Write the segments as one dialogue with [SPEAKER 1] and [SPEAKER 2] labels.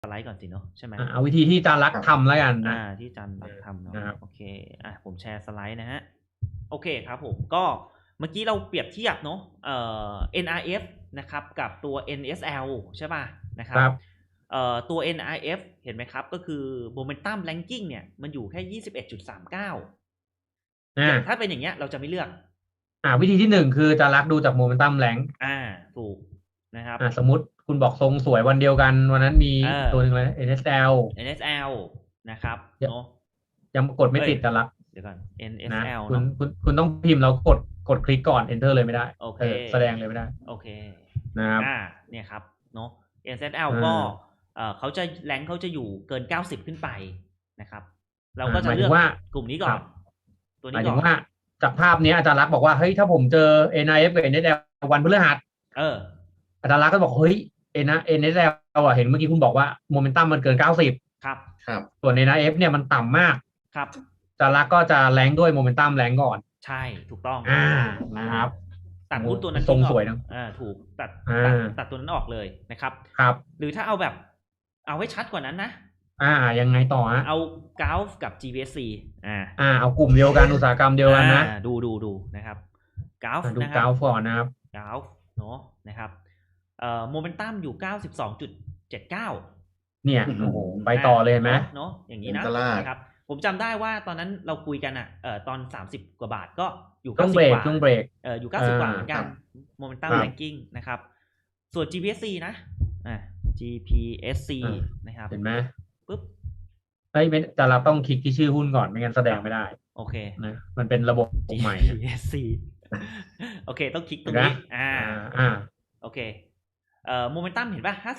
[SPEAKER 1] สไลด์ก่อนสิเนาะใช่ไหม
[SPEAKER 2] เอาวิธีที่อาจารย์ลักษณ์ทำแล้วกันนะ
[SPEAKER 1] ที่อาจารย์ลักษณ์ทำเนาะ
[SPEAKER 2] นะครับ
[SPEAKER 1] โอเคผมแชร์สไลด์นะฮะโอเคครับผมก็เมื่อกี้เราเปรียบเทียบเนาะNRF นะครับกับตัว NSL ใช่ป่ะนะครับตัว NRF เห็นไหมครับก็คือ Momentum Ranking เนี่ยมันอยู่แค่ 21.39อย่างถ้าเป็นอย่างเงี้ยเราจะไม่เลือก
[SPEAKER 2] วิธีที่1คืออาจารย์ลักษณ์ดูจากโมเมนตัมแรง
[SPEAKER 1] ถูกนะครับ
[SPEAKER 2] สมมุติคุณบอกทรงสวยวันเดียวกันวันนั้นมีตัวหนึ่งเลย NSL
[SPEAKER 1] นะครับเนาะ
[SPEAKER 2] ยังกดไม่ติดอาจารย์ลักษณ์
[SPEAKER 1] เดี๋ยวก่อน NSL
[SPEAKER 2] นะคุณต้องพิมพ์แล้วกดคลิกก่อน Enter เลยไม่ได้
[SPEAKER 1] โอเค
[SPEAKER 2] แสดงเลยไม่ได้
[SPEAKER 1] โอเค
[SPEAKER 2] นะครับ
[SPEAKER 1] เนี่ยครับเนาะ NSL ก็เขาจะแรงเขาจะอยู่เกิน90ขึ้นไปนะครับเราก็จะเลือกกลุ่มนี้ก่อนตัวนี้ก่อนหมาย
[SPEAKER 2] ถึงว่าจากภาพนี้อาจารย์ลักษณ์บอกว่าเฮ้ยถ้าผมเจอ NIF กับ NSL วันพฤหัสอาจารย์ลักษณ์ก็บอกเฮ้ยNSL เห็นเมื่อกี้คุณบอกว่าโมเมนตัมมันเกิน90
[SPEAKER 1] ครับ
[SPEAKER 2] ส่วน NIF เนี่ยมันต่ำมาก
[SPEAKER 1] ครับ
[SPEAKER 2] อาจารย์ลักษณ์ก็จะแรงด้วยโมเมนตัมแรงก่อน
[SPEAKER 1] ใช่ถูกต้อง
[SPEAKER 2] นะครับ
[SPEAKER 1] ตัดหุ้นตัวนั้น
[SPEAKER 2] ทรงสวยนะ
[SPEAKER 1] ถูกตัดตัวนั้นออกเลยนะครับหรือถ้าเอาแบบเอาให้ชัดกว่านั้นนะ
[SPEAKER 2] ยังไงต่อ
[SPEAKER 1] เอากราฟกับ GBSC
[SPEAKER 2] เอากลุ่มเดียวกันอุตสาหกรรมเดียวกันนะ
[SPEAKER 1] ดูนะครับกราฟ
[SPEAKER 2] ดูกราฟก่อนนะครับ
[SPEAKER 1] กราฟเนาะนะครับโมเมนตัมอยู่ 92.79
[SPEAKER 2] เนี่ยโอ้โหไปต่อเลยไหม
[SPEAKER 1] เนาะอย่างนี้นะครับผมจำได้ว่าตอนนั้นเราคุยกันตอน30กว่าบาทก็อยู่90กว่า
[SPEAKER 2] ช่วงเบรก
[SPEAKER 1] อยู่90กว่าเหมือนกันโมเมนตัมแรงกิ้งนะครับส่วน GPSC นะ GPSC นะครับ
[SPEAKER 2] เห็นไหม
[SPEAKER 1] ปุ๊บ
[SPEAKER 2] แต่เราต้องคลิกที่ชื่อหุ้นก่อนไม่งั้นแสดงไม่ได้
[SPEAKER 1] โอเค
[SPEAKER 2] นะมันเป็นระบบใหม่
[SPEAKER 1] GPSC โอเคต้องคลิกตรงนี้โอเคโมเมนตัมเห็นป่ะ51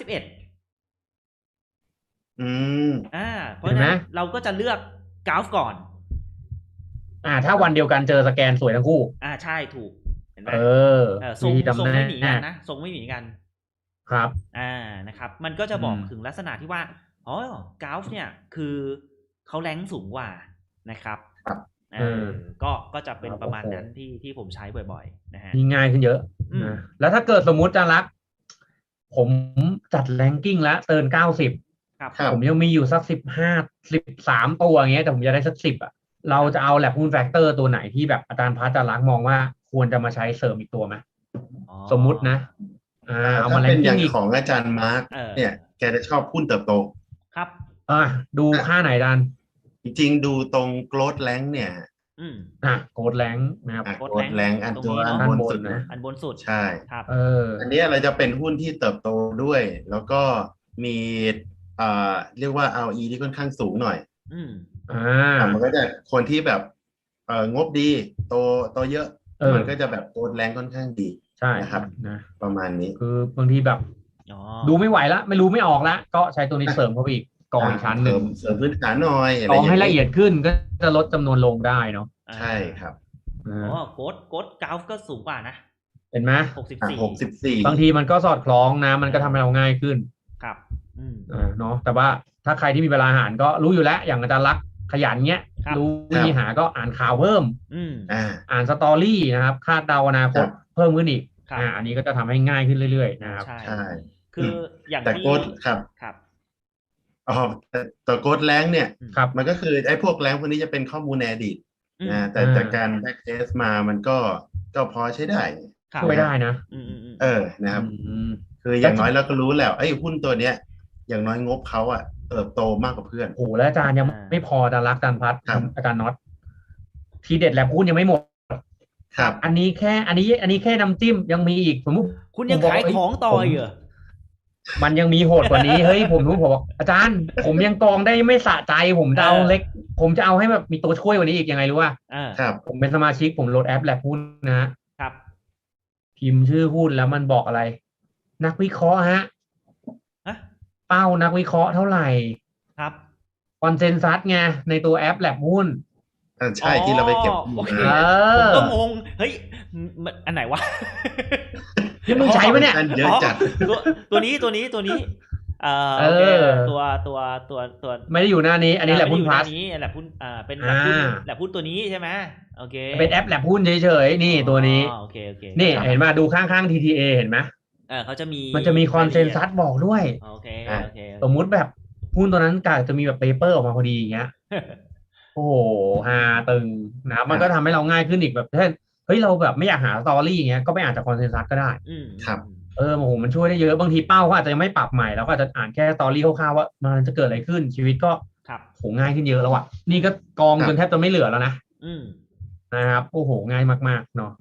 [SPEAKER 1] เพราะฉะนั้นเราก็จะเลือกกราฟก่อน
[SPEAKER 2] ถ้าวันเดียวกันเจอสแกนสวยทั้งคู่
[SPEAKER 1] ใช่ถูกเห็นไหมทรงไม่หนีกันนะทรงไม่หนีกัน
[SPEAKER 2] ครับ
[SPEAKER 1] นะครับมันก็จะบอกถึงลักษณะที่ว่ากราฟเนี่ยคือเขาแรงสูงกว่านะครับก็จะเป็นประมาณนั้นที่ผมใช้บ่อยๆนะฮะ
[SPEAKER 2] ง่ายขึ้นเยอะนะแล้วถ้าเกิดสมมุติจะรักผมจัดแรงกิ้งแล้วเติร์น90ผมยังมีอยู่สัก13ตัวอย่างเงี้ยแต่ผมจะได้สัก10เราจะเอาแลบหุ้นแฟกเตอร์ตัวไหนที่แบบอาจารย์พัชจะรักมองว่าควรจะมาใช้เสริมอีกตัวไหมสมมุตินะ
[SPEAKER 3] เอามาเป็นอย่างของอาจารย์มาร์กเนี่ยแกจะชอบหุ้นเติบโต
[SPEAKER 1] ครับ
[SPEAKER 2] ดูค่าไหนดัน
[SPEAKER 3] จริงๆดูตรงโกลด์แรงเนี่ย
[SPEAKER 2] โกลด์แรงนะครับ
[SPEAKER 3] โกลด์แรงอันตัวอันบนสุดนะ
[SPEAKER 1] อันบนสุด
[SPEAKER 3] ใช่
[SPEAKER 1] ครับ
[SPEAKER 3] อันนี้เราจะเป็นหุ้นที่เติบโตด้วยแล้วก็มีเรียกว่า ROE ที่ค่อนข้างสูงหน่อยมันก็จะคนที่แบบงบดีโตเยอะมันก็จะแบบโกลด์แรงค่อนข้างดี
[SPEAKER 2] ใช่
[SPEAKER 3] นะครับ
[SPEAKER 2] นะ
[SPEAKER 3] ประมาณนี้
[SPEAKER 2] คือบางทีแบบดูไม่ไหวแล้วไม่รู้ไม่ออกแล้วก็ใช้ตัวนี้เสริมเข้าไปอีกกองอีกชั้นหนึ่ง
[SPEAKER 3] เสริมพื้นฐานหน่อย
[SPEAKER 2] กองให้ละเอียดขึ้นก็จะลดจำนวนลงได้เนาะ
[SPEAKER 3] ใช่ครับ
[SPEAKER 1] โค้ดกราฟก็สูงกว่านะ
[SPEAKER 2] เห็นไหม
[SPEAKER 3] 64
[SPEAKER 2] บางทีมันก็สอดคล้องนะมันก็ทำให้เราง่ายขึ้น
[SPEAKER 1] ครับ
[SPEAKER 2] เนาะแต่ว่าถ้าใครที่มีเวลาอ่านก็รู้อยู่แล้วอย่างอาจารย์ลักษณ์ขยันเงี้ยรู้วิธีหาก็อ่านข่าวเพิ่มอ่านสตอรี่นะครับคาดเดาอนาคตเพิ่มขึ้นอีกอันนี้ก็จะทำให้ง่ายขึ้นเรื่อยๆนะครับ
[SPEAKER 1] ใช่คืออย่าง
[SPEAKER 3] ที่โค้ดครับแต่โค้ดแรงเนี่ยมันก็คือไอ้พวกแรงพวกนี้จะเป็นข้อมูลในอดีตนะแต่จากการแบ็กเทสมามันก็พอใช้ได้
[SPEAKER 2] ช่วยได้นะ
[SPEAKER 3] นะครับคืออย่างน้อยเราก็รู้แล้วไอ้หุ้นตัวเนี้ยอย่างน้อยงบเขาเติบโตมากกว่าเพื่อน
[SPEAKER 2] โอ้แล้วอาจารย์ยังไม่พออาจารย์รักอาจารย์พัฒน์อาจารย์น็อตทีเด็ดแลบหุ้นยังไม่หมด
[SPEAKER 3] ครับ
[SPEAKER 2] อันนี้แค่น้ำจิ้มยังมีอีกสมมติ
[SPEAKER 1] คุณยังขายของต่อเหรอ
[SPEAKER 2] มันยังมีโหดกว่านี้เฮ้ยผมบอกอาจารย์ผมยังกองได้ไม่สะใจผมจะเอาเล็กผมจะเอาให้แบบมีตัวช่วยกว่านี้อีกยังไงรู้ป่ะ
[SPEAKER 3] ครับ
[SPEAKER 2] ผมเป็นสมาชิกผมโหลดแอปแลบหุ้นนะครับพิมพ์ชื่อหุ้นแล้วมันบอกอะไรนักวิเคราะห์เป้านักวิเคราะห์เท่าไหร่
[SPEAKER 1] ครับ
[SPEAKER 2] คอนเซนซัสไงในตัวแอปแลบหุ้น
[SPEAKER 3] ใช่ที่เราไปเก็บ
[SPEAKER 1] ผมก็งงเฮ้ยอันไหนวะ
[SPEAKER 2] ที่มึงใช้ปะเนี่ย
[SPEAKER 3] เยอะจัด
[SPEAKER 1] ตัวนี้โอเคตัว
[SPEAKER 2] ไม่ได้อยู่หน้านี้อันนี้แลบหุ้นพลัส
[SPEAKER 1] นี้แลบหุ้นเป็นแลบหุ้นตัวนี้ใช่ไหมโอเค
[SPEAKER 2] เป็นแอปแลบหุ้นเฉยๆนี่ตัวนี้
[SPEAKER 1] โอเค
[SPEAKER 2] นี่เห็นมาดูข้างๆ TTA เห็นไหม
[SPEAKER 1] เขาจะมี
[SPEAKER 2] มันจะมีคอนเซนซัสบอกด้วย
[SPEAKER 1] โอเค
[SPEAKER 2] สมมุติแบบหุ้นตัวนั้นกาจะมีแบบเปเปอร์ออกมาพอดีอย่างเงี้ย โอ้โหฮาตึงนะครับมันก็ทำให้เราง่ายขึ้นอีกแบบเช่นเฮ้ยเราแบบไม่อยากหาสตอรี่อย่างเงี้ยก็ไปอ่านจากคอนเซนซัสก็ได้
[SPEAKER 3] ครับ
[SPEAKER 2] โอ้โหมันช่วยได้เยอะบางทีเป้าเขาอาจจะยังไม่ปรับใหม่แล้วก็อาจจะอ่านแค่สตอรี่คร่าวๆว่ามันจะเกิดอะไรขึ้นชีวิตก็โหง่ายขึ้นเยอะแล้วอ่ะนี่ก็กองจนแทบจะไม่เหลือแล้วนะนะครับโอ้โหง่ายมากๆเนาะ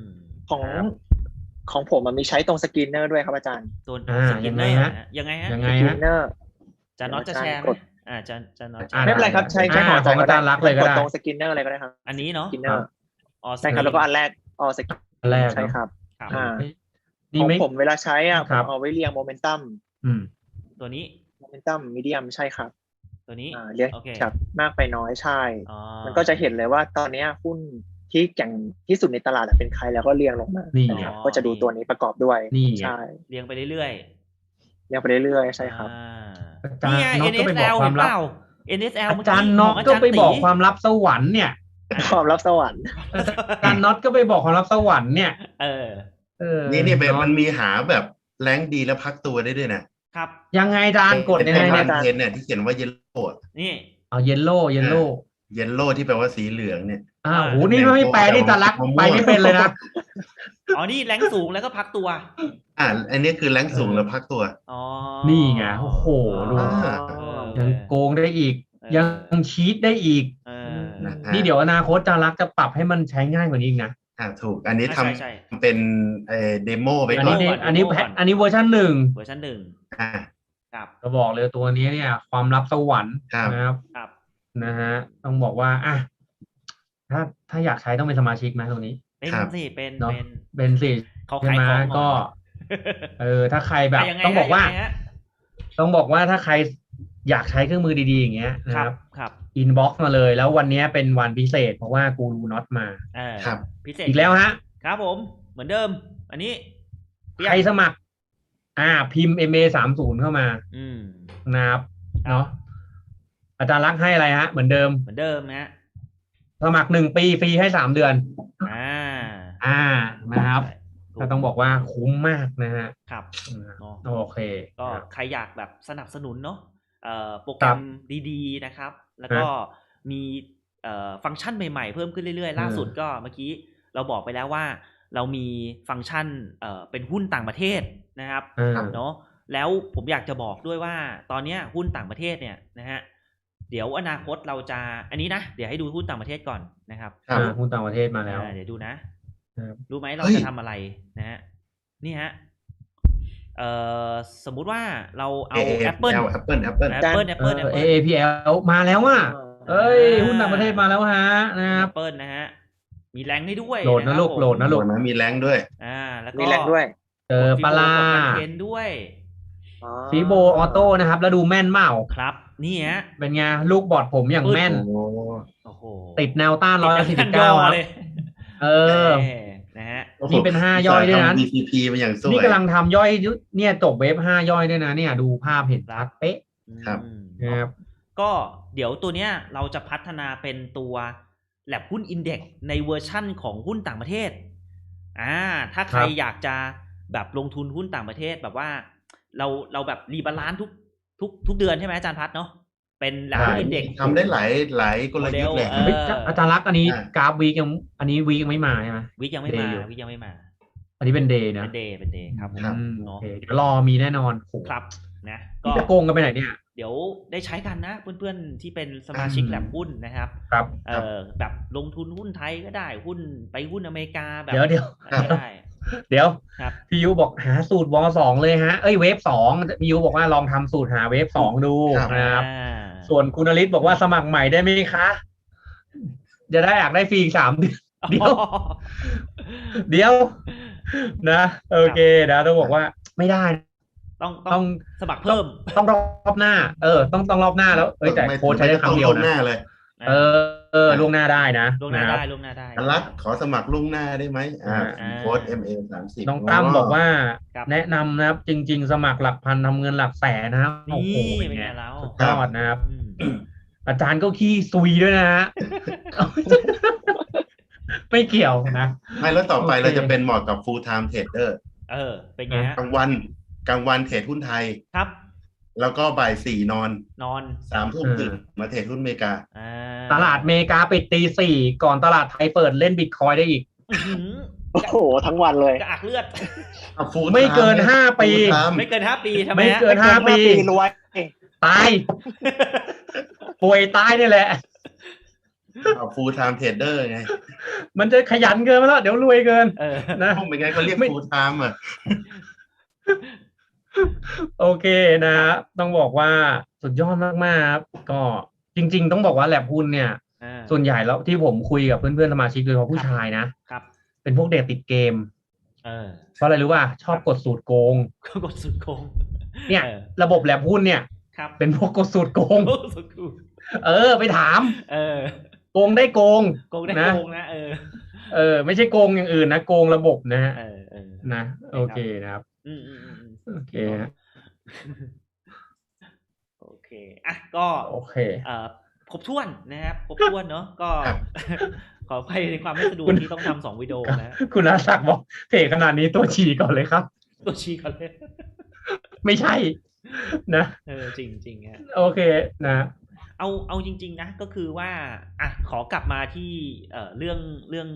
[SPEAKER 4] ของผมมันมีใช้ตรงสกรีนเนอร์ด้วยครับอาจารย์
[SPEAKER 1] ตัว
[SPEAKER 2] ยังไงฮะ
[SPEAKER 1] ยังไงฮะ
[SPEAKER 4] สกรีนเนอร์
[SPEAKER 1] จะน็อตจะแชร์ไหมจะน็อต
[SPEAKER 4] ไม่เป็นไรครับใช้
[SPEAKER 2] ของอาจารย์รักเลยก็ได้
[SPEAKER 4] ตรงสกรีนเนอร์อะไรก็ได้ครับ
[SPEAKER 1] อันนี้เนาะ
[SPEAKER 4] สกรีนเนอร์ใช่ครับแล้วก็อันแรกสกรีน
[SPEAKER 2] แรก
[SPEAKER 4] ใช่ครับ
[SPEAKER 2] นี่
[SPEAKER 4] ของผมเวลาใช้ผมเอาไว้เรียงโมเมนตัม
[SPEAKER 1] ตัวนี้
[SPEAKER 4] โมเมนตัมมีเดียมใช่ครับ
[SPEAKER 1] ตัวนี้
[SPEAKER 4] เรียงจากมากไปน้อยใช่มันก็จะเห็นเลยว่าตอนนี้หุ้นที่แข่งที่สุดในตลาดเป็นใครแล้วก็เรียงลงมาก็จะดูตัวนี้ประกอบด้วยใช่
[SPEAKER 1] เรียงไปเรื่อย
[SPEAKER 4] ๆเรียงไปเรื่อยๆใช่ครับ
[SPEAKER 1] นี่ไง NSL เห็นเปล่า NSL
[SPEAKER 2] อาจารย์น็อตก็ไปบอกความลับสวรรค์เนี่ย
[SPEAKER 4] ความลับสวรรค์
[SPEAKER 2] อาจารย์น็อตก็ไปบอกความลับสวรรค์เนี่ย
[SPEAKER 3] นี่แบบมันมีหาแบบแรงดีแล้วพักตัวได้ด้วยนะครับ
[SPEAKER 2] ยังไงอาจารย์กดยังไง
[SPEAKER 3] เนี่ยที่เขียนว่าเยลโล่
[SPEAKER 1] นี่
[SPEAKER 2] เยลโล่
[SPEAKER 3] ที่แปลว่าสีเหลืองเนี่ย
[SPEAKER 2] โหนี่ไม่แปลนี่ตาลักไปไม่เป็นเลยนะ
[SPEAKER 1] นี่แรงสูงแล้วก็พักตัว
[SPEAKER 3] อันนี้คือแรงสูงแล้วพักตัว
[SPEAKER 2] นี่ไงโอ้โหดูยังโกงได้อีกยังชีตได้อีกนี่เดี๋ยวอนาคตตาลักจะปรับให้มันใช้ง่ายกว่านี้อีกนะ
[SPEAKER 3] ถูกอันนี้ทำเป็นเดโมไปก่อน
[SPEAKER 2] อันนี้เวอร์ชัน1
[SPEAKER 1] ครับ
[SPEAKER 2] ก็บอกเลยตัวนี้เนี่ยความลับสวรรค์นะครับนะฮะต้องบอกว่าถ้าอยากใช้ต้องเป็นสมาชิกไหมตรงนี้เป็นสิใช่ไหมก็ถ้าใครแบบต้องบอกว่าถ้าใครอยากใช้เครื่องมือดีๆอย่างเงี้ยนะครับอินบ็อกซ์มาเลยแล้ววันนี้เป็นวันพิเศษเพราะว่ากูรูน็อตมา
[SPEAKER 1] พิเศษ
[SPEAKER 2] อีกแล้วฮะ
[SPEAKER 1] ครับผมเหมือนเดิมอันนี้
[SPEAKER 2] ใครสมัครพิมพ์ MA30 เข้ามานะครับเนาะอาจารย์รักให้อะไรฮะเหมือนเดิม
[SPEAKER 1] นะ
[SPEAKER 2] สมัคร1 ปีฟรีให้3 เดือนนะครับก็ต้องบอกว่าคุ้มมากนะฮะ
[SPEAKER 1] ครับ
[SPEAKER 2] โอเค
[SPEAKER 1] ก็ใครอยากแบบสนับสนุนเนาะโปรแกรมดีๆนะครับแล้วก็มีฟังก์ชันใหม่ๆเพิ่มขึ้นเรื่อยๆล่าสุดก็เมื่อกี้เราบอกไปแล้วว่าเรามีฟังก์ชันเป็นหุ้นต่างประเทศนะครับเนาะแล้วผมอยากจะบอกด้วยว่าตอนนี้หุ้นต่างประเทศเนี่ยนะฮะเดี๋ยวอนาคตเราจะอันนี้นะเดี๋ยวให้ดูหุ้นต่างประเทศก่อนนะครับ
[SPEAKER 2] หุ้นต่างประเทศมาแล้ว
[SPEAKER 1] เดี๋ยวดูนะรู้ไหมเราจะทำอะไรนะฮะนี่ฮะสมมุติว่าเราเอา Apple
[SPEAKER 2] AAPL มาแล้วอ่ะหุ้นต่างประเทศมาแล้วฮะนะครับ
[SPEAKER 1] Apple นะฮะมีแรงให้ด้วย
[SPEAKER 2] โหลดนะลูกโหลดนะ
[SPEAKER 3] มีแรงด้วย
[SPEAKER 1] แล้วก็
[SPEAKER 4] มีแรงด้วย
[SPEAKER 2] ปลา
[SPEAKER 1] เทนด้วย
[SPEAKER 2] ฟีโบออโต้นะครับแล้วดูแม่นเมา
[SPEAKER 1] ครับนี่ฮะ
[SPEAKER 2] เป็นไงลูกบอดผมอย่างแม่นติดแนวต้าน149ครับ
[SPEAKER 1] นะฮะ
[SPEAKER 2] นี่เป็น5ย่อยด้วยนะ
[SPEAKER 3] BCP มาอย่างสวย
[SPEAKER 2] นี่กำลังทำย่อยเนี่ยจบเวฟ5ย่อยด้วยนะเนี่ยดูภาพเห็นชัดเป๊ะ
[SPEAKER 3] ครับ
[SPEAKER 1] ก็เดี๋ยวตัวเนี้ยเราจะพัฒนาเป็นตัวแลบหุ้นอินเด็กซ์ในเวอร์ชั่นของหุ้นต่างประเทศถ้าใครอยากจะแบบลงทุนหุ้นต่างประเทศแบบว่าเราแบบรีบาลานซ์ทุกเดือนใช่ไหมอาจารย์พัฒน์เนาะเป็นแลบหุ้นอินเด็กซ์
[SPEAKER 3] ทำได้หลายกลยุทธ์เลย
[SPEAKER 2] อาจารย์รักอันนี้กราฟวีคยังอันนี้วีคยังไม่มาใช่ไหม
[SPEAKER 1] วีคยังไม่มา
[SPEAKER 2] อันนี้เป็นเดย์นะ
[SPEAKER 1] เป็นเดย์ครับ
[SPEAKER 2] โอเคเดี๋ยวรอมีแน่นอน
[SPEAKER 1] ครับนะ
[SPEAKER 2] ก็จะโกงกันไปไหนเนี่ย
[SPEAKER 1] เดี๋ยวได้ใช้กันนะเพื่อนๆที่เป็นสมาชิกแลบหุ้นนะครับแบบลงทุนหุ้นไทยก็ได้หุ้นไปหุ้นอเมริกาแบบ
[SPEAKER 2] เดี๋ยวพี่ยูบอกหาสูตรว2เลยฮะเวฟ2พี่ยูบอกว่าลองทำสูตรหาเวฟ2ดูนะครับส่วนคุณนฤทธิ์บอกว่าสมัครใหม่ได้ไหมคะจะได้อยากได้ฟรี3 เดือนเดี๋ยวนะโอเคนะต้องบอกว่าไม่ได้
[SPEAKER 1] ต้องสมัครเพิ่ม
[SPEAKER 2] ต้องรอบหน้าต้องรอบหน้าแล้วแต่โค้ชใช้ได้ครั้งเดียวนะล่วงหน้าได้นะ
[SPEAKER 1] ล่วงหน้าได้
[SPEAKER 3] รักขอสมัครล่วงหน้าได้ไหมโค้ช MA30
[SPEAKER 2] น้องตั้มบอกว่าแนะนำนะครับจริงๆสมัครหลักพันทำเงินหลักแสนนะครับ
[SPEAKER 1] โอ้โหเป็นไงแล้ว
[SPEAKER 2] ยอดนะครับอาจารย์ก็ขี้ซุยด้วยนะฮะไม่เกี่ยวนะ
[SPEAKER 3] ไม่แล้วต่อไปเราจะเป็นเหมาะกับ full time trader
[SPEAKER 1] เป็นไงฮะ
[SPEAKER 3] กลางวันเทรดหุ้นไทย
[SPEAKER 1] ครับ
[SPEAKER 3] แล้วก็บ่าย 4นอน
[SPEAKER 1] 3
[SPEAKER 3] ทุ่มตื่นมาเทรดหุ้นอเมริกา
[SPEAKER 2] ตลาดอเมริกาปิดตี 4ก่อนตลาดไทยเปิดเล่นบิตคอยน์ได้อีก
[SPEAKER 4] โอ้โหทั้งวันเลย
[SPEAKER 1] กระอักเลือด
[SPEAKER 2] ไม่เกิน5 ปี
[SPEAKER 1] ไม่เกิน5 ปีทำไม
[SPEAKER 2] ไม่เกิน5 ปี
[SPEAKER 4] รวย
[SPEAKER 2] ตายป่วยตายนี่แหละ
[SPEAKER 3] ฟูลไทม์เทรดเดอร์ไง
[SPEAKER 2] มันจะขยันเกินไปแล้วเดี๋ยวรวยเกินนะ
[SPEAKER 3] ไม่ไงเขาเรียกฟูลไทม์
[SPEAKER 2] โอเคนะต้องบอกว่าสุดยอดมากๆครับก็จริงๆต้องบอกว่าแลบหุ้นเนี่ยส่วนใหญ่แล้วที่ผมคุยกับเพื่อนๆสมาชิกโดยเฉพาะผู้ชายนะครับเป็นพวกเด็กติดเกมเพราะอะไรรู้ป่ะชอบกดสูตรโกงเนี่ยระบบแลบหุ้นเนี่ยเป็นพวกกดสูตรโกงไปถามโกงได้โกง
[SPEAKER 1] นะ
[SPEAKER 2] ไม่ใช่โกงอย่างอื่นนะโกงระบบนะฮะนะโอเคนะครับโอเค
[SPEAKER 1] โอเคอ่ะก็
[SPEAKER 2] โอเค
[SPEAKER 1] ครบถ้วนนะครับครบถ้วนเนาะก็ขออภัยในความไม่สะดวกที่ต้องทำ2 วิดีโอนะ
[SPEAKER 2] คุณอาศักดิ์บอกเพจขนาดนี้ตัวชี้ก่อนเลยครับ
[SPEAKER 1] ตัวชี้ก่อนเลย
[SPEAKER 2] ไม่ใช่นะ
[SPEAKER 1] จริงๆฮะ
[SPEAKER 2] โอเคนะ
[SPEAKER 1] เอาจริงๆนะก็คือว่าอ่ะขอกลับมาที่เรื่องเรื่อง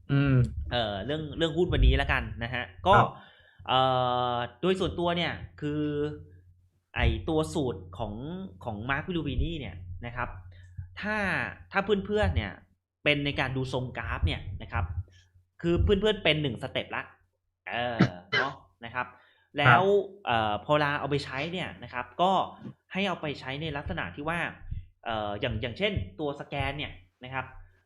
[SPEAKER 1] หุ้นวันนี้แล้วกันนะฮะก็โดยส่วนตัวเนี่ยคือไอตัวสูตรของมาร์ควิลูบินี่เนี่ยนะครับถ้าเพื่อนๆเนี่ยเป็นในการดูทรงกราฟเนี่ยนะครับคือเพื่อนๆเป็น1 สเต็ปละเนาะนะครับแล้วพอเอาไปใช้เนี่ยนะครับก็ให้เอาไปใช้ในลักษณะที่ว่าอย่างเช่นตัวสแกนเนี่ยนะครับ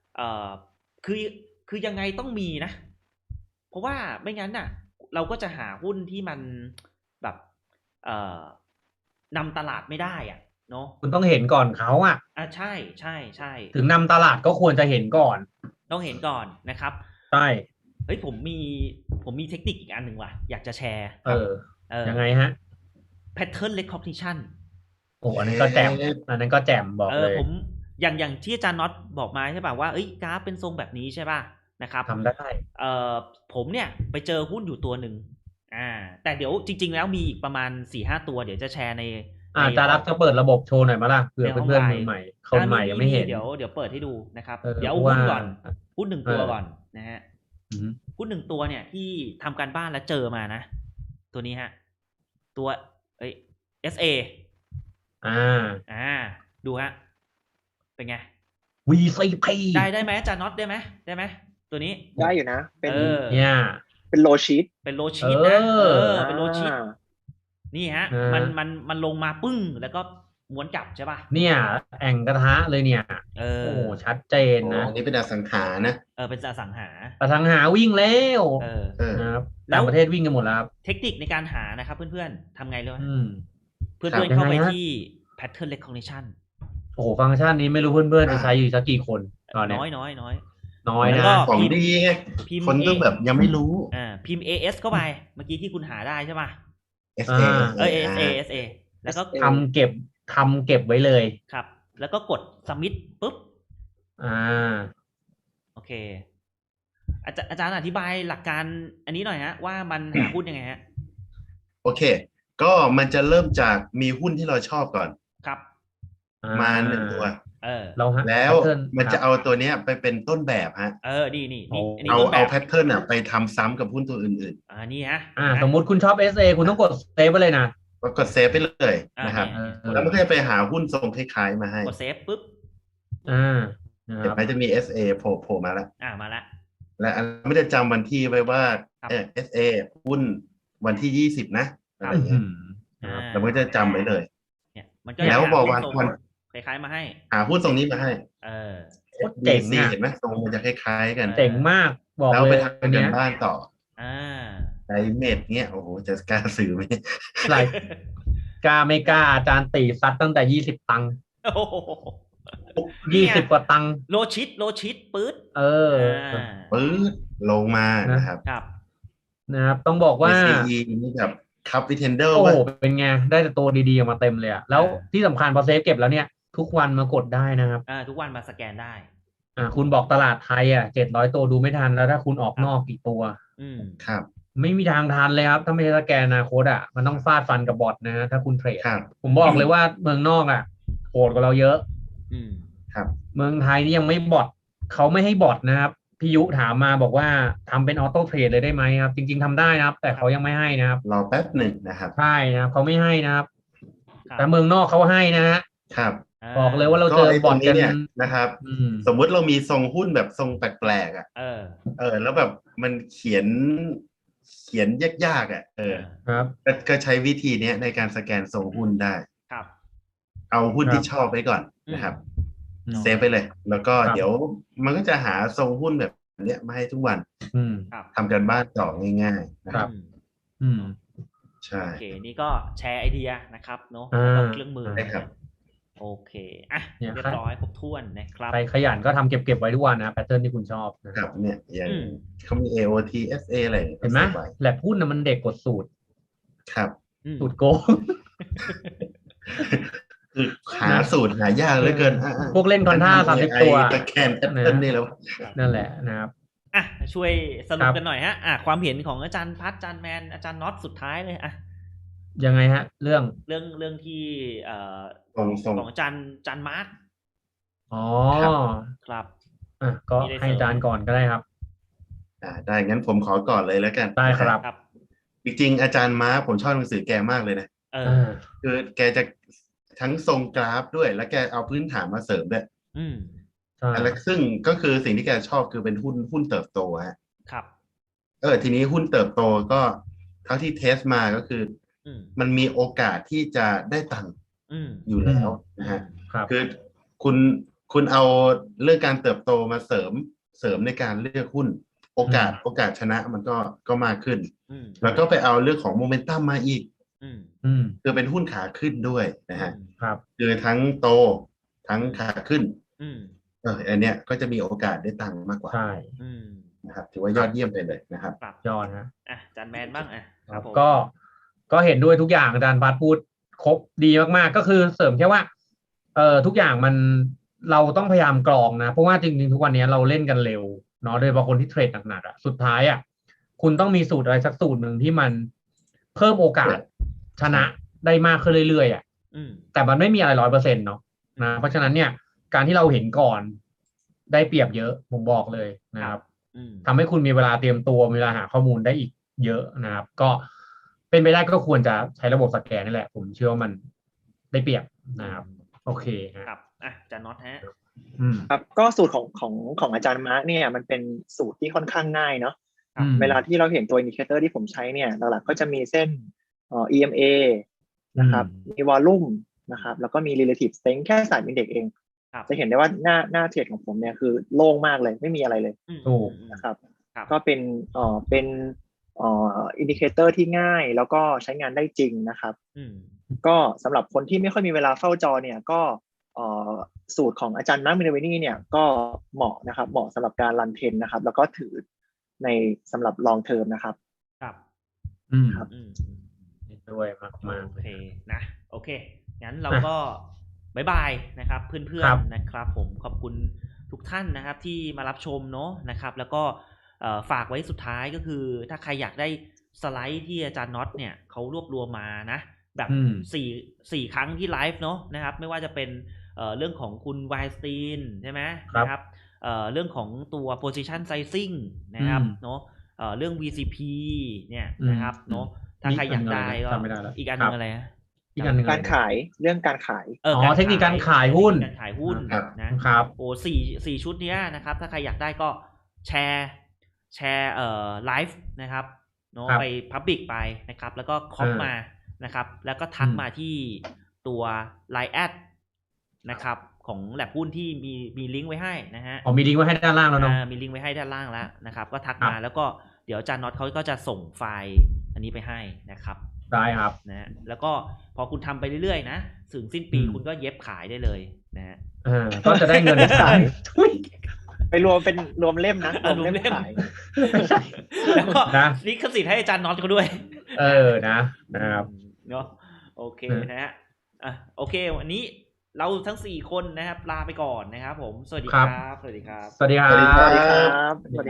[SPEAKER 1] คือยังไงต้องมีนะเพราะว่าไม่งั้นน่ะเราก็จะหาหุ้นที่มันแบบนำตลาดไม่ได้อ่ะเนาะ
[SPEAKER 2] คุณต้องเห็นก่อนเขา
[SPEAKER 1] ใช่ใช่ใช่
[SPEAKER 2] ถึงนำตลาดก็ควรจะเห็นก่อน
[SPEAKER 1] ต้องเห็นก่อนนะครับ
[SPEAKER 2] ใช่
[SPEAKER 1] เฮ้ยผมมีเทคนิคอีกอันหนึ่งว่ะอยากจะแชร์
[SPEAKER 2] ยังไงฮะ
[SPEAKER 1] pattern recognition
[SPEAKER 2] โอ้อันนั้นก็แจ่มบอกเลย
[SPEAKER 1] ผมอย่างที่อาจารย์น็อตบอกมาใช่ป่ะว่ากราฟเป็นทรงแบบนี้ใช่ป่ะนะครับ
[SPEAKER 2] ทำได้
[SPEAKER 1] ผมเนี่ยไปเจอหุ้นอยู่ตัวหนึ่งแต่เดี๋ยวจริงๆแล้วมีอีกประมาณ 4-5 ตัวเดี๋ยวจะแชร์ใน
[SPEAKER 2] จะรับจะเปิดระบบโชว์หน่อยมั้ยล่ะเผื่อเพื่อนๆมือใหม่คนใหม่ยังไม่เห็น
[SPEAKER 1] เดี๋ยวเปิดให้ดูนะครับเดี๋ยวหุ้นก่อนหุ้น1 ตัวก่อนนะฮะหุ้น1 ตัวเนี่ยที่ทำการบ้านแล้วเจอมานะตัวนี้ฮะตัวSA ดูฮะเป็นไง
[SPEAKER 2] VCP
[SPEAKER 1] ได้ไหมอาจารย์น็อตได้ไหมตัวนี้
[SPEAKER 4] ได้อยู่นะเป็น
[SPEAKER 2] เนี่ย
[SPEAKER 4] เป็นโลชีต
[SPEAKER 1] นะเป็นโลชีตนี่ฮะมันลงมาปึ้งแล้วก็ม้วนกลับใช่ป่ะ
[SPEAKER 2] เนี่ยแอ่งกระทะเลยเนี่ยโอ้ชัดเจนนะ
[SPEAKER 3] นี่เป็นอสังหานะ
[SPEAKER 1] เป็นอสัง
[SPEAKER 2] หาวิ่งแล้วนะครับต่างประเทศวิ่งกันหมดแล้ว
[SPEAKER 1] เทคนิคในการหานะครับเพื่อนๆทำไงเลยเพื่อนเข้าไปที่ pattern recognition
[SPEAKER 2] โอ้โหฟังก์ชันนี้ไม่รู้เพื่อนๆจะใช้อยู่สักกี่คนตอนนี้
[SPEAKER 1] น้อย
[SPEAKER 3] นะของดีไงคนต้องแบบยังไม่รู้
[SPEAKER 1] พิมพ์ AS เข้าไปเมื่อกี้ที่คุณหาได้ใช่ป่ะ SA แล้วก็
[SPEAKER 2] ทำเก็บไว้เลย
[SPEAKER 1] ครับแล้วก็กด submit ปุ๊บโอเคอาจารย์อธิบายหลักการอันนี้หน่อยฮะว่ามันหาหุ้นยังไงฮะ
[SPEAKER 3] โอเคก็มันจะเริ่มจากมีหุ้นที่เราชอบก่อน
[SPEAKER 1] ครับ
[SPEAKER 3] มา1 ตัว
[SPEAKER 2] แล้ว
[SPEAKER 3] มันจะเอาตัวเนี้ยไปเป็นต้นแบบฮะ
[SPEAKER 1] นี่
[SPEAKER 3] เอาแพทเทิร์นไปทำซ้ำกับหุ้นตัวอื่น
[SPEAKER 1] ๆนี่ฮะ
[SPEAKER 2] สมมุติคุณชอบ SA คุณต้องกดเซฟไปเลยนะ
[SPEAKER 3] กดเซฟไปเลยนะครับแล้วมันก็จะไปหาหุ้นทรงคล้ายๆมาให้
[SPEAKER 1] กดเซฟปุ๊บ
[SPEAKER 3] เดี๋ยวจะมี SA โผล่มาแล้ว
[SPEAKER 1] มาแล้ว
[SPEAKER 3] และไม่ได้จำวันที่ไว้ว่าSA หุ้นวันที่20นะอะไรอย่างเงี้ยแล้วมันจะจำไว้เลยแล้วบอกวัน
[SPEAKER 1] คล้ายๆมาให้
[SPEAKER 3] หาหุ้นตรงนี้มาให้
[SPEAKER 2] เจ๋งเนี่ย
[SPEAKER 3] เห็นไหมทรงมันจะคล้ายๆกัน
[SPEAKER 2] เจ๋งมากบอกเลย
[SPEAKER 3] แล้วไปทำกันบ้านต่อไดเมดเนี้ยโอ้โหจะกล้าซื้อไหม
[SPEAKER 2] ไรกล้าไม่กล้าอาจารย์ตีซัดตั้งแต่20 ตังค์20 กว่าตังค์
[SPEAKER 1] โลชิตปื๊ด
[SPEAKER 3] ปื๊ดลงมานะครับ
[SPEAKER 2] ต้องบอกว่า
[SPEAKER 3] CE นี่แบบคัพวิเทนเดอร์
[SPEAKER 2] โอ้เป็นไงได้แต่ตัวดีๆมาเต็มเลยแล้วที่สำคัญพอเซฟเก็บแล้วเนี่ยทุกวันมากดได้นะครับ
[SPEAKER 1] ทุกวันมาสแกนได้
[SPEAKER 2] คุณบอกตลาดไทย700 ตัวดูไม่ทันแล้วถ้าคุณออกนอกกี่ตัว
[SPEAKER 3] ครับ
[SPEAKER 2] ไม่มีทางทันเลยครับถ้าไม่ใช่สแกนอนาคตอ่ะมันต้องฟาดฟันกับบอทนะฮะถ้าคุณเทรด
[SPEAKER 3] ครับ
[SPEAKER 2] ผมบอกเลยว่าเมืองนอกอ่ะโหดกว่าเราเยอะ
[SPEAKER 3] ครับ
[SPEAKER 2] เมืองไทยนี่ยังไม่บอทเขาไม่ให้บอทนะครับพี่ยุถามมาบอกว่าทำเป็นออโต้เทรดเลยได้ไหมครับจริงๆทำได้นะครับ แต่เขายังไม่ให้นะครับ
[SPEAKER 3] รอแป๊บหนึ่งนะครับ
[SPEAKER 2] ใช่นะครับเขาไม่ให้นะครับ แต่เมืองนอกเขาให้นะฮะ
[SPEAKER 3] ครับ
[SPEAKER 2] บอกเลยว่าเราเจอบอทกัน
[SPEAKER 3] เนี่ยนะครับสมมุติเรามีทรงหุ้นแบบทรงแปลกๆอ่ะแล้วแบบมันเขียนยากๆอ่ะ
[SPEAKER 2] ครับ
[SPEAKER 3] ก็ใช้วิธีนี้ในการสแกนทรงหุ้นได้
[SPEAKER 1] ครับ
[SPEAKER 3] เอาหุ้นที่ชอบไว้ก่อนนะครับเซฟไปเลย แล้วก็เดี๋ยวมันก็จะหาทรงหุ้นแบบเนี้ยมาให้ทุกวันทำกันบ้านต่อง่ายๆนะครับใช่
[SPEAKER 1] โอเคนี่ก็แชร์ไอเดียนะครับเนาะเครื่องมือโอเคอ่ะเรียบร้อยครบถ้วนนะครับ
[SPEAKER 2] ใครขยันก็ทำเก็บไว้ทุกวันนะแพทเทิร์นที่คุณชอบ
[SPEAKER 3] นะครับเนี่ยอย่างเขามี AOT SA อะไร
[SPEAKER 2] เห็นไหมแหลกหุ้นนะมันเด็กกดสูตร
[SPEAKER 3] ครับ
[SPEAKER 2] สูตรโกง
[SPEAKER 3] คือหาสูตรหายากเหลือเกิน
[SPEAKER 2] พวกเล่นคอนท่า30 ตัว
[SPEAKER 3] แคนแพทเทิร์นนี่แล้ว
[SPEAKER 2] นั่นแหละนะครับ
[SPEAKER 1] อ่ะช่วยสรุปกันหน่อยฮะความเห็นของอาจารย์พัฒน์อาจารย์แมนอาจารย์น็อตสุดท้ายเลย
[SPEAKER 2] ยังไงฮะเรื่อง
[SPEAKER 1] ที่ของอาจารย์มาร์คครับ
[SPEAKER 2] ก็ให้อาจารย์ก่อนก็ได้ครับ
[SPEAKER 3] ได้งั้นผมขอก่อนเลยแล้วกัน
[SPEAKER 2] ได้ครับ
[SPEAKER 3] จริงๆอาจารย์มาร์คผมชอบหนังสือแกมากเลยนะคือแกจะทั้งทรงกราฟด้วยแล้วแกเอาพื้นฐานมาเสริมด้วยแล้วซึ่งก็คือสิ่งที่แกชอบคือเป็นหุ้นเติบโตฮะ
[SPEAKER 1] ครับ
[SPEAKER 3] ทีนี้หุ้นเติบโตก็เท่าที่เทสมาก็คือมันมีโอกาสที่จะได้ตังค์อยู่แล้วนะฮะคือคุณเอาเรื่องการเติบโตมาเสริมในการเลือกหุ้นโอกาสชนะมันก็มากขึ้นแล้วก็ไปเอาเรื่องของโมเมนตัมมาอีกคือเป็นหุ้นขาขึ้นด้วยนะฮะคือทั้งโตทั้งขาขึ้นอันเนี้ยก็จะมีโอกาสได้ตังค์มากกว่า
[SPEAKER 2] ใช่
[SPEAKER 3] นะครับถือว่ายอดเยี่ยมไปเลยนะครับ
[SPEAKER 2] ยอดนะ
[SPEAKER 1] อาจารย์แมนบ้าง
[SPEAKER 2] ครับก็เห็นด้วยทุกอย่างอาจารย์พัฒน์พูดครบดีมากๆก็คือเสริมแค่ว่าทุกอย่างมันเราต้องพยายามกรองนะเพราะว่าจริงๆทุกวันนี้เราเล่นกันเร็วเนาะโดยเฉพาะคนที่เทรดหนักๆสุดท้ายคุณต้องมีสูตรอะไรสักสูตรหนึ่งที่มันเพิ่มโอกาสชนะได้มากขึ้นเรื่อยๆแต่มันไม่มีอะไร100%เนาะนะเพราะฉะนั้นเนี่ยการที่เราเห็นก่อนได้เปรียบเยอะผมบอกเลยนะครับทำให้คุณมีเวลาเตรียมตัวมีเวลาหาข้อมูลได้อีกเยอะนะครับก็เป็นไปได้ก็ควรจะใช้ระบบสแกนนี่แหละผมเชื่อว่ามันได้เปรียบนะครับโอเค
[SPEAKER 1] ครับอาจารย์น็อตฮะ
[SPEAKER 4] ครับก็สูตรของอาจารย์มาร์คเนี่ยมันเป็นสูตรที่ค่อนข้างง่ายเนาะเวลาที่เราเห็นตัวอินดิเคเตอร์ที่ผมใช้เนี่ยหลักๆก็จะมีเส้นEMA นะครับมีวอลลุ่มนะครับแล้วก็มี relative strength แค่สายอินเด็กซ์เองจะเห็นได้ว่าหน้าเทรดของผมเนี่ยคือโล่งมากเลยไม่มีอะไรเลยนะครับก็เป็นอินดิเคเตอร์ที่ง่ายแล้วก็ใช้งานได้จริงนะครับก็สำหรับคนที่ไม่ค่อยมีเวลาเฝ้าจอเนี่ยก็สูตรของอาจารย์มาร์ค มินเวนี่เนี่ยก็เหมาะนะครับเหมาะสำหรับการรันเทรนนะครับแล้วก็ถือในสำหรับลองเทอมนะครับ
[SPEAKER 1] ครับ
[SPEAKER 2] ครับด้วยมาก
[SPEAKER 1] โอเคนะโอเคงั้นเราก็บ๊ายบายนะครับเพื่อนๆนะครับผมขอบคุณทุกท่านนะครับที่มารับชมเนาะนะครับแล้วก็ฝากไว้สุดท้ายก็คือถ้าใครอยากได้สไลด์ที่อาจารย์น็อตเนี่ยเขารวบรวมมานะแบบ4ครั้งที่ไลฟ์เนาะนะครับไม่ว่าจะเป็นเรื่องของคุณไวสตีนใช่ไหมนะครับเรื่องของตัว position sizing นะครับเนาะเรื่อง VCP เนี่ยนะครับเนาะถ้าใครอยากได้ก็อีกอันนึงอะไร
[SPEAKER 4] อีกอันนึงการขายเรื่องการขาย
[SPEAKER 2] เทคนิคการขายหุ้น
[SPEAKER 1] นะครับโอ้4ชุดนี้นะครับถ้าใครอยากได้ก็แชร์ไลฟ์นะครับเนาะไป Public ไปนะครับแล้วก็คอมมานะครับแล้วก็ทักมาที่ตัว Line แอดนะครับของแลบหุ้นที่มีลิงก์ไว้ให้นะฮะ
[SPEAKER 2] มีลิงก์ไว้ให้ด้านล่างแล้วเนาะ
[SPEAKER 1] มีลิงก์ไว้ให้ด้านล่างแล้วนะครับก็ทักมาแล้วก็เดี๋ยวอาจารย์น็อตเขาก็จะส่งไฟล์อันนี้ไปให้นะครับ
[SPEAKER 2] ได้ครับ
[SPEAKER 1] นะแล้วก็พอคุณทำไปเรื่อยๆนะถึงสิ้นปีคุณก็เย็บขายได้เลยนะฮะ
[SPEAKER 2] ก็จะได้เงินขาย
[SPEAKER 4] ไปรวมเล่มนะรวมเล่มขาย
[SPEAKER 1] แล้วก็ลิขสิทธิ์ให้อาจารย์น็อตเขาด้วย
[SPEAKER 2] นะครับ
[SPEAKER 1] เนาะโอเคนะฮะโอเควันนี้เราทั้ง4คนนะครับลาไปก่อนนะครับผมสวัสดีครับ
[SPEAKER 2] สวัสดีครับ